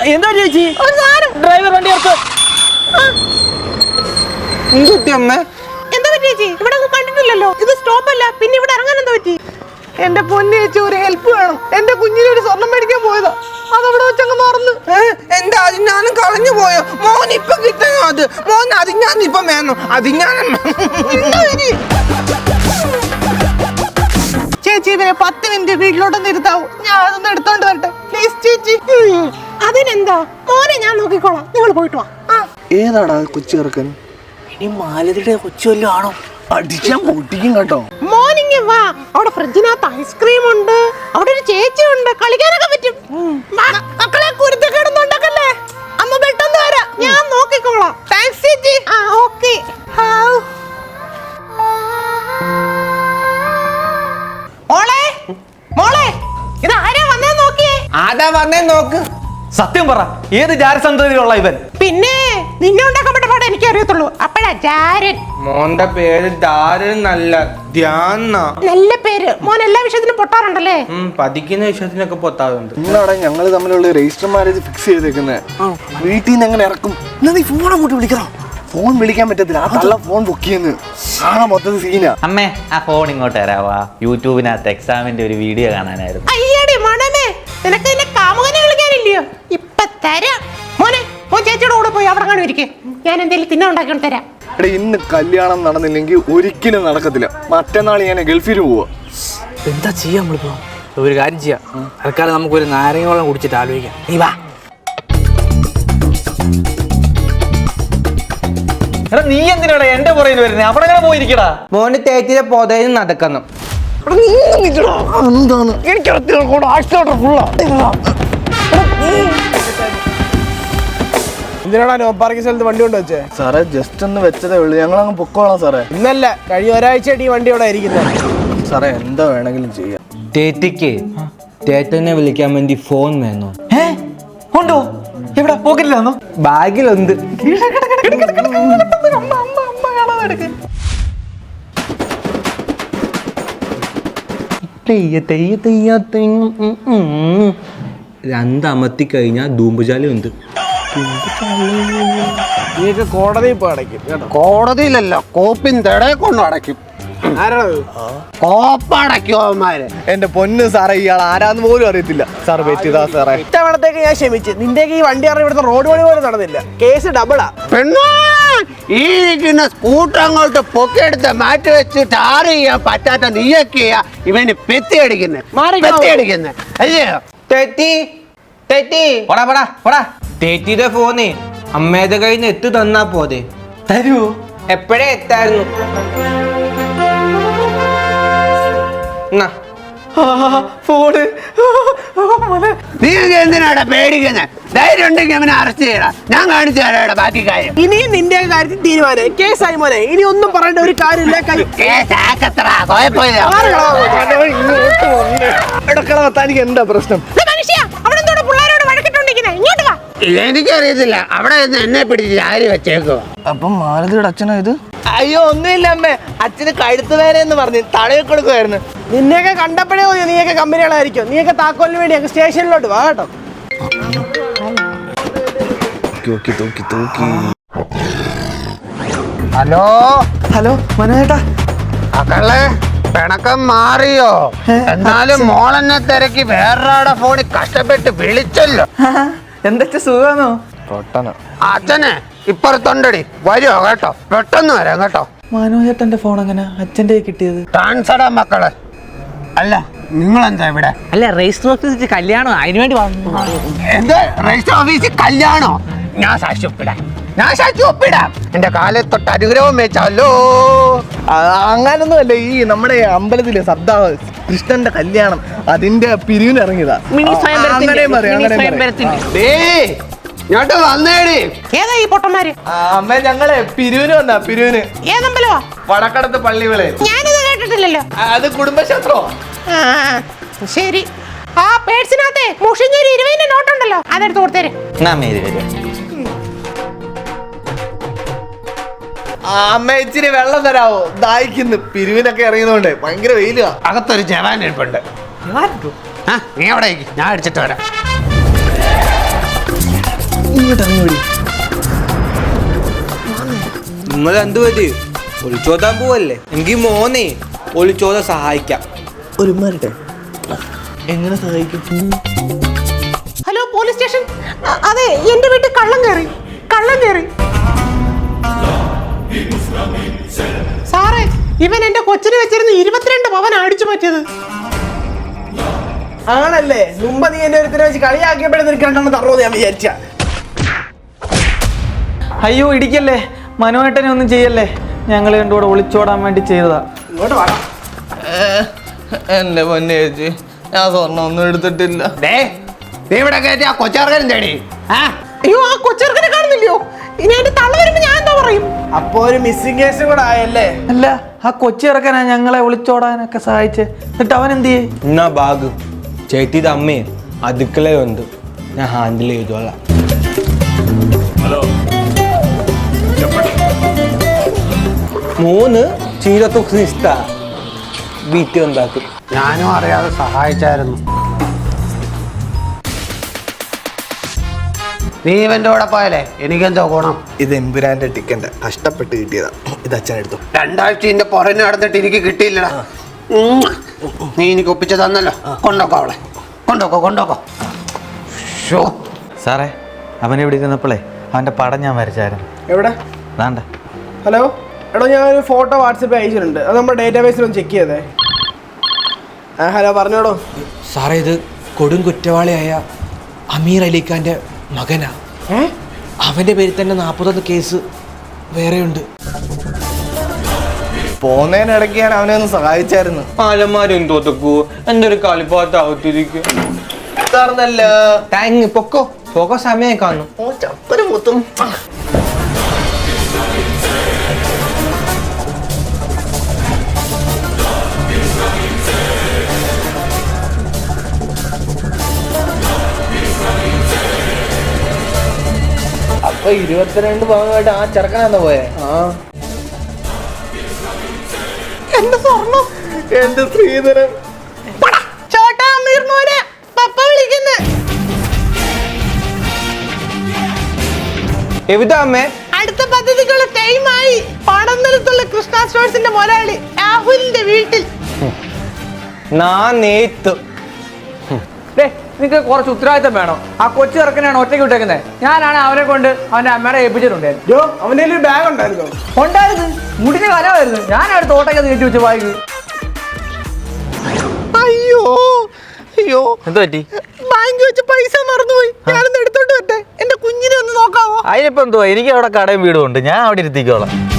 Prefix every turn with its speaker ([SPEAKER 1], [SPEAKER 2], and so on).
[SPEAKER 1] എന്താ ചേച്ചി? ഡ്രൈവർ വണ്ടി ഓർത്ത്
[SPEAKER 2] അമ്മ
[SPEAKER 3] എന്താ പറ്റി ചേച്ചി? ഇവിടെ ഒന്നും കണ്ടിട്ടില്ലല്ലോ. ഇത് സ്റ്റോപ്പ് അല്ല, പിന്നെ ഇവിടെ ഇറങ്ങാൻ എന്താ പറ്റി? എന്റെ പൊന്നു ചേച്ചി, ഒരു ഹെൽപ്പ് വേണം. എന്റെ കുഞ്ഞിന് ഒരു സ്വർണം മേടിക്കാൻ പോയതാ, അതവിടെ വെച്ചങ്ങ് മറന്നു.
[SPEAKER 2] എന്താ അതിഞ്ഞാനും കളഞ്ഞു പോയോ? മോൻ ഇപ്പൊ കിട്ടണോ അത്? മോൻ അതിഞ്ഞാൻ ഇപ്പൊ വേണം. അതിഞ്ഞാനും
[SPEAKER 3] ചേച്ചി ഇവരെ 10 മിനിറ്റ് വീട്ടിലോട്ടൊന്ന് ഇരുത്താവൂ. ഞാൻ അതൊന്ന് എടുത്തോണ്ട് വരട്ടെ പ്ലീസ് ചേച്ചി. അതിനെന്താ മോനെ, ഞാൻ നോക്കിക്കോളാം, നിങ്ങൾ പോയിട്ട് വാ.
[SPEAKER 4] ഏതാടാ കൊച്ചു ചെറുക്കൻ?
[SPEAKER 1] ഇനി മാലതിയുടെ കൊച്ചു വല്ലതും ആണോ?
[SPEAKER 4] അടിച്ചാൻ പൊട്ടിക്കും കേട്ടോ.
[SPEAKER 3] മോർണിംഗ് വാ, അവിടെ ഫ്രിഡ്ജിനകത്ത് ഐസ്ക്രീം ഉണ്ട്, അവിടെ ഒരു ചേച്ചി ഉണ്ട്, കളിക്കാനൊക്കെ പറ്റും. മക്കളെ കുരുത്തക്കേടൊന്നുണ്ടാക്കല്ലേ, അമ്മ പെട്ടെന്ന് വരാം, ഞാൻ നോക്കിക്കോളാം. താങ്ക്സ് ചേച്ചി. ഓക്കെ. മോളെ മോളെ, ഇത് ആരാ വന്നേ നോക്കിയേ?
[SPEAKER 2] ആരാ വന്നേ നോക്ക്.
[SPEAKER 1] സത്യം പറ, ഏത് ജാരസന്തതിയിലുള്ള ഇവൻ?
[SPEAKER 3] പിന്നെ നിന്നെ ഉണ്ടാക്കപ്പെട്ട പാടെ എനിക്ക് അറിയത്തുള്ളൂ. അപ്പഴാ ജാരൻ.
[SPEAKER 2] മോന്റെ പേര് ദാരൻ നല്ല ധ്യാന.
[SPEAKER 3] നല്ല പേര്. മോൻ എല്ലാ വിഷയത്തിനും പൊട്ടാറുണ്ടല്ലേ?
[SPEAKER 2] പഠിക്കുന്ന വിഷയത്തിനൊക്കെ പൊത്താറുണ്ട്.
[SPEAKER 4] നിങ്ങളാടെ ഞങ്ങൾ തമ്മിലുള്ള രജിസ്റ്റർ മാരേജ് ഫിക്സ് ചെയ്തേക്കുന്നത്. വീട്ടിൽ നിന്ന് എങ്ങനെ ഇറക്കും? എന്നാ നീ ഫോൺ അങ്ങോട്ട് വിളിക്കണം. ഫോൺ വിളിക്കാൻ പറ്റത്തില്ല, ആ തള്ള ഫോൺ ബുക്ക് ചെയ്യുന്നു. മൊത്തത്തിൽ സീനാ.
[SPEAKER 5] അമ്മേ, ആ ഫോൺ ഇങ്ങോട്ട് തരാവാ. യൂട്യൂബിനകത്ത് എക്സാമിന്റെ ഒരു വീഡിയോ കാണാനായിരുന്നു.
[SPEAKER 3] അയ്യടി മണമേ, നിനക്ക് നിന്നെ കാമുകനെ വിളിക്കാനില്ലയോ? ഇപ്പൊ തരാം. മോനെ, മോൻ ചേച്ചിയുടെ കൂടെ പോയി അവിടെ കാണും ഇരിക്കേ, ഞാൻ എന്തെങ്കിലും തിന്നാൻ ഉണ്ടാക്കിയോണ്ട് തരാം.
[SPEAKER 4] എടാ, ഇന്ന് കല്യാണം നടന്നില്ലെങ്കിൽ ഒരിക്കലും നടക്കത്തില്ല. മറ്റന്നാൾ ഞാൻ ഗൾഫിൽ പോവാ.
[SPEAKER 1] എന്താ ചെയ്യാ നമ്മളിപ്പോ? ഒരു കാര്യം ചെയ്യാം, തൽക്കാലം നമുക്കൊരു നാരങ്ങ വെള്ളം കുടിച്ചിട്ട് ആലോചിക്കാം. നീ വാ. എടാ, നീ എന്തിനാടാ എന്റെ പുറയിൽ വരുന്നേ? അവിടെ എങ്ങനെ പോയിരിക്കടാ?
[SPEAKER 2] മോന് തേച്ചിലെ പൊതയിൽ നടക്കണം.
[SPEAKER 4] എന്താണ്
[SPEAKER 6] എന്തിനാണ് നോ പാർക്കിംഗ് സ്ഥലത്ത് വണ്ടി കൊണ്ട് വെച്ചേ?
[SPEAKER 4] സാറേ, ജസ്റ്റ് ഒന്ന് വെച്ചതേ ഉള്ളൂ. ഞങ്ങൾ അങ്ങ് പൊക്കോളാം സാറേ.
[SPEAKER 6] ഇന്നല്ല, കഴിഞ്ഞ ഒരാഴ്ചയായിട്ട് ഈ വണ്ടി ഇവിടെ ഇരിക്കുന്നത്.
[SPEAKER 4] സാറേ, എന്താ വേണമെങ്കിലും ചെയ്യാം.
[SPEAKER 2] തേറ്റിക്ക് തേറ്റനെ വിളിക്കാൻ വേണ്ടി ഫോൺ വേണോ?
[SPEAKER 1] ഉണ്ടോ? എവിടെ? പോക്കറ്റിലാണോ?
[SPEAKER 2] ബാഗിലുണ്ട്. രണ്ടമത്തി കഴിഞ്ഞാൽ ധൂമ്പുചാലി ഉണ്ട്.
[SPEAKER 6] നീയൊക്കെ കോടതി ഇപ്പൊ അടയ്ക്കും കേട്ടോ.
[SPEAKER 7] കോടതിയിലല്ല, കോപ്പിൻ തടയെ കൊണ്ട് അടയ്ക്കും.
[SPEAKER 6] ആരാണത്?
[SPEAKER 7] കോപ്പടയ്ക്കും അവന്മാര്.
[SPEAKER 4] എന്റെ പൊന്ന് സാറേ, ഇയാൾ ആരാന്ന് പോലും അറിയത്തില്ല. സാർ പറ്റിയതാ സാറേ.
[SPEAKER 6] ഇത്തവണത്തേക്ക് ഞാൻ ക്ഷമിച്ച്. നിന്റെയൊക്കെ ഈ വണ്ടി അറിയാൻ ഇവിടുത്തെ റോഡ് പണി പോലും നടന്നില്ല. കേസ് ഡബിളാ.
[SPEAKER 7] പെണ്ണാ, ഈ ഇരിക്കുന്ന സ്കൂട്ടർ അങ്ങോട്ട് പൊക്കിയെടുത്ത് മാറ്റി വെച്ച് ടാർ ചെയ്യാൻ പറ്റാത്ത നീയൊക്കെയാ ഇവന് പെത്തിയടിക്കുന്നത് അല്ലയോ?
[SPEAKER 2] തേറ്റിയുടെ ഫോണ് അമ്മയുടെ കയ്യിൽ നിന്ന് എത്തു തന്നാ പോരെ?
[SPEAKER 1] തരുവോ?
[SPEAKER 2] എപ്പോഴേ എത്തായിരുന്നു.
[SPEAKER 1] ഫോണ്.
[SPEAKER 7] നീ എന്തിനാടാ പേടിക്കുന്നത്? ധൈര്യം ഉണ്ടെങ്കിൽ അവനെ അറസ്റ്റ് ചെയ്യടാ. ഞാൻ കാണിച്ചു തരാടാ ബാക്കി കാര്യം.
[SPEAKER 6] ഇനിയും നിന്റെ കാര്യത്തിൽ തീരുമാനം. കേസായി മോനെ, ഇനി ഒന്നും പറയേണ്ട ഒരു കാര്യമില്ല.
[SPEAKER 4] തനിക്ക് എന്താ പ്രശ്നം?
[SPEAKER 7] എനിക്കറിയത്തില്ല, അവിടെ നിന്ന് എന്നെ പിടിച്ച് ആര് വെച്ചേക്കോ.
[SPEAKER 4] അപ്പം മാലതിയുടെ അച്ഛനാ ഇത്?
[SPEAKER 6] അയ്യോ, ഒന്നുമില്ല അമ്മേ, അച്ഛന് കഴുത്ത് വേദന എന്ന് പറഞ്ഞ് തടവി കൊടുക്കുമായിരുന്നു. നിന്നെയൊക്കെ കണ്ടപ്പോഴേ മതി നീയൊക്കെ കമ്പനികളായിരിക്കും. നീയൊക്കെ താക്കോലിന് വേണ്ടി ഞങ്ങൾ സ്റ്റേഷനിലോട്ട് വാ കേട്ടോ.
[SPEAKER 7] ഹലോ
[SPEAKER 1] ഹലോ, മനോജേട്ടാ.
[SPEAKER 7] മക്കളെ, പിണക്കം മാറിയോ? എന്നാലും മോളെന്നെ തിരക്കി വേറൊരാടെ ഫോണിൽ കഷ്ടപ്പെട്ട് വിളിച്ചല്ലോ.
[SPEAKER 1] എന്തൊക്കെ സുഖാണോ?
[SPEAKER 7] അച്ഛനെ ഇപ്പുറത്തുണ്ടടി, വരുമോ കേട്ടോ? പെട്ടെന്ന് വരാം കേട്ടോ.
[SPEAKER 1] മനോജേട്ടന്റെ ഫോൺ എങ്ങനെ അച്ഛൻ്റെ കിട്ടിയത്?
[SPEAKER 7] ട്രാൻസ്ഫറാ മക്കളെ. അല്ല, നിങ്ങളെന്താ ഇവിടെ?
[SPEAKER 1] അല്ല, രജിസ്റ്റർ ഓഫീസിൽ കല്യാണം, അതിനുവേണ്ടി വന്നു.
[SPEAKER 7] എന്ത് രജിസ്റ്റർ ഓഫീസിൽ കല്യാണോ? ഞാൻ സാക്ഷി ഒപ്പിടാം. എന്റെ കാലത്തൊട്ട് അനുഗ്രഹം വെച്ചാലോ.
[SPEAKER 4] അങ്ങനൊന്നും അല്ല, ഈ നമ്മുടെ അമ്പലത്തിലെ സദ്ദാ കൃഷ്ണന്റെ കല്യാണം, അതിന്റെ പിരിവിന് ഇറങ്ങിയതാ.
[SPEAKER 7] ഇങ്ങോട്ട് വന്നേടി.
[SPEAKER 3] ഏതാ ഈ പൊട്ടന്മാര്?
[SPEAKER 4] അമ്മ, ഞങ്ങളെ പിരിവിന് വന്നാ. പിരിവിന്
[SPEAKER 3] ഏതമ്പലവാ?
[SPEAKER 4] വടക്കടത്ത് പള്ളികളെ.
[SPEAKER 3] ഞാനിത് കേട്ടിട്ടില്ലല്ലോ.
[SPEAKER 4] അത് കുടുംബശാസ്ത്രോ?
[SPEAKER 3] ശരി. ആ പേഴ്സിനകത്തെ മുഷിഞ്ഞൊരു 20 നോട്ടുണ്ടല്ലോ, അതെടുത്ത് കൊടുത്തേര്.
[SPEAKER 4] അമ്മ, ഇച്ചിരി വെള്ളം തരാവോ? ദാഹിക്കുന്നു. പിരിവിനൊക്കെ ഇറങ്ങിയതുകൊണ്ട് ഭയങ്കര വെയിലാ.
[SPEAKER 7] അകത്തൊരു ജവാൻ ഇരിപ്പുണ്ട്. നീ അവിടെ ഞാൻ അടിച്ചിട്ട് വരാം.
[SPEAKER 2] നിങ്ങൾ എന്ത് പറ്റി ഒളിച്ചോതാൻ പോവല്ലേ എങ്കിൽ മോനെ ഒളിച്ചോതാൻ സഹായിക്കാം.
[SPEAKER 4] ഒരു മാറിട്ടെ എങ്ങനെ സഹായിക്കും?
[SPEAKER 3] Hello police station. അതെ, എന്റെ വീട്ടിൽ കള്ളം കയറി. സാറേ, ഇവൻ എന്റെ കൊച്ചിന് വെച്ചിരുന്ന 22 പവൻ അടിച്ചു പറ്റിയത്.
[SPEAKER 6] ആണല്ലേ? മുമ്പ് നീ എന്നെ ഒരുത്തിനെ വെച്ച് കളിയാക്കിയപ്പോഴേ നിനക്ക് രണ്ടെണ്ണം തറവോ ഞാൻ വിചാരിച്ച.
[SPEAKER 8] അയ്യോ ഇടിക്കല്ലേ, മനോഹേട്ടനെ ഒന്നും ചെയ്യല്ലേ, ഞങ്ങൾ രണ്ടുകൂടെ ഒളിച്ചോടാൻ വേണ്ടി ചെയ്തതാ.
[SPEAKER 6] ഇങ്ങോട്ട് വാടാ.
[SPEAKER 2] എന്റെ പൊന്നെ ചേച്ചി, ഞാൻ സ്വർണ്ണം ഒന്നും എടുത്തിട്ടില്ല.
[SPEAKER 7] നീ ഇവിടെ കയറ്റി ആ കൊച്ചാർക്കാരും തേടി.
[SPEAKER 3] അയ്യോ, ആ കൊച്ചിറക്കനെ കാണുന്നില്ലയോ? ഇനി എന്റെ തള്ള വരുമ്പോ ഞാൻ എന്താ പറയും?
[SPEAKER 6] അപ്പൊ ഒരു മിസ്സിംഗ് കേസും കൂടെ ആയല്ലേ?
[SPEAKER 8] അല്ല, ആ കൊച്ചി ഇറക്കാനാ ഞങ്ങളെ ഒളിച്ചോടാനൊക്കെ സഹായിച്ചേ. എന്നിട്ട് അവൻ എന്ത് ചെയ്യേ?
[SPEAKER 2] എന്നാ ബാഗ് ചേട്ടിയുടെ അമ്മയെ അടുക്കളയുണ്ട്, ഞാൻ ഹാൻഡിൽ ചെയ്തോളാം. മൂന്ന് ചീരത്തുക്രിസ്ത വീട്ടിൽ ഉണ്ടാക്കും.
[SPEAKER 7] ഞാനും അറിയാതെ സഹായിച്ചായിരുന്നു. നീ ഇവന്റെ കൂടെ പോയാലേ എനിക്കെന്തോ ഗുണം?
[SPEAKER 4] ഇത് എമ്പുരാന്റെ ടിക്കറ്റ് കഷ്ടപ്പെട്ട് കിട്ടിയതാ. ഇത് അച്ഛൻ എടുത്തു.
[SPEAKER 7] 2 ആഴ്ച ഇതിന്റെ പുറഞ്ഞു നടന്നിട്ട് എനിക്ക് കിട്ടിയില്ലടാ. നീ എനിക്ക് ഒപ്പിച്ച് തന്നല്ലോ. കൊണ്ടോക്കോ അവളെ, കൊണ്ടോക്കോ.
[SPEAKER 8] സാറേ, അവൻ ഇവിടെ ഇരുന്നപ്പോഴേ അവൻ്റെ പടം ഞാൻ വരച്ചായിരുന്നു.
[SPEAKER 6] എവിടെ?
[SPEAKER 8] വേണ്ട.
[SPEAKER 6] ഹലോ എടോ, ഞാൻ ഒരു ഫോട്ടോ വാട്സപ്പ് അയച്ചിട്ടുണ്ട്. അത് നമ്മുടെ ഡേറ്റാബേസിൽ ഒന്ന് ചെക്ക് ചെയ്തേ. ഹലോ, പറഞ്ഞോടോ.
[SPEAKER 2] സാറേ, ഇത് കൊടും കുറ്റവാളിയായ അമീർ അലിഖാന്റെ മകനാ. അവന്റെ പേരിൽ തന്നെ 41 കേസ് വേറെയുണ്ട്.
[SPEAKER 4] പോന്നതിനിടയ്ക്ക് ഞാൻ അവനെ ഒന്ന് സഹായിച്ചായിരുന്നു.
[SPEAKER 2] ആലന്മാരും തോത്തക്കൂ എന്തൊരു കളിപ്പാത്ത അവത്തിരിക്കും. താങ്ക് പൊക്കോ പോകോ, സമയം കാണും.
[SPEAKER 1] അപ്പൊ 22 പവനുമായിട്ട് ആ ചെറുക്കനാന്ന് പോയെ?
[SPEAKER 3] എന്റെ സ്വർണം.
[SPEAKER 4] എന്റെ ശ്രീധരൻ.
[SPEAKER 3] ചോട്ടാ അമീർ മോനെ, പപ്പ വിളിക്കുന്നു.
[SPEAKER 2] എവിടാ അമ്മേ?
[SPEAKER 3] അടുത്ത പദ്ധതിക്കുള്ള ടൈമായി. പടനിലത്തുള്ള കൃഷ്ണ സ്റ്റോഴ്സിന്റെ മുതലാളി രാഹുലിന്റെ വീട്ടിൽ.
[SPEAKER 2] നേത്ത്
[SPEAKER 1] നിങ്ങൾക്ക് കുറച്ച് ഉത്തരവാദിത്തം വേണം. ആ കൊച്ചു ചെറുക്കനാണ് ഒറ്റയ്ക്ക് വിട്ടേക്കുന്നത്. ഞാനാണ് അവനെ കൊണ്ട് അവന്റെ അമ്മയുടെ ഏൽപ്പിച്ചിട്ടുണ്ടായിരുന്നു.
[SPEAKER 6] അവന്റെ ഒരു ബാഗ് ഉണ്ടായിരുന്നോ?
[SPEAKER 1] ഉണ്ടായിരുന്നു, മുടിന് കനമായിരുന്നു. ഞാൻ അടുത്ത് ഓട്ടയ്ക്ക് നീട്ടി വെച്ച് വായിക്കും.
[SPEAKER 6] അയ്യോ,
[SPEAKER 8] എന്ത് പറ്റി?
[SPEAKER 3] ബാങ്ക് വെച്ച് പൈസ മറന്നുപോയി. ഞാനൊന്ന് എടുത്തോണ്ട് വരട്ടെ. എന്റെ കുഞ്ഞിനെ ഒന്ന് നോക്കാവോ?
[SPEAKER 8] അതിനിപ്പോ എന്തുവാ, എനിക്ക് അവിടെ കടയും വീടും ഉണ്ട്, ഞാൻ അവിടെ ഇരുത്തിക്കോളാം.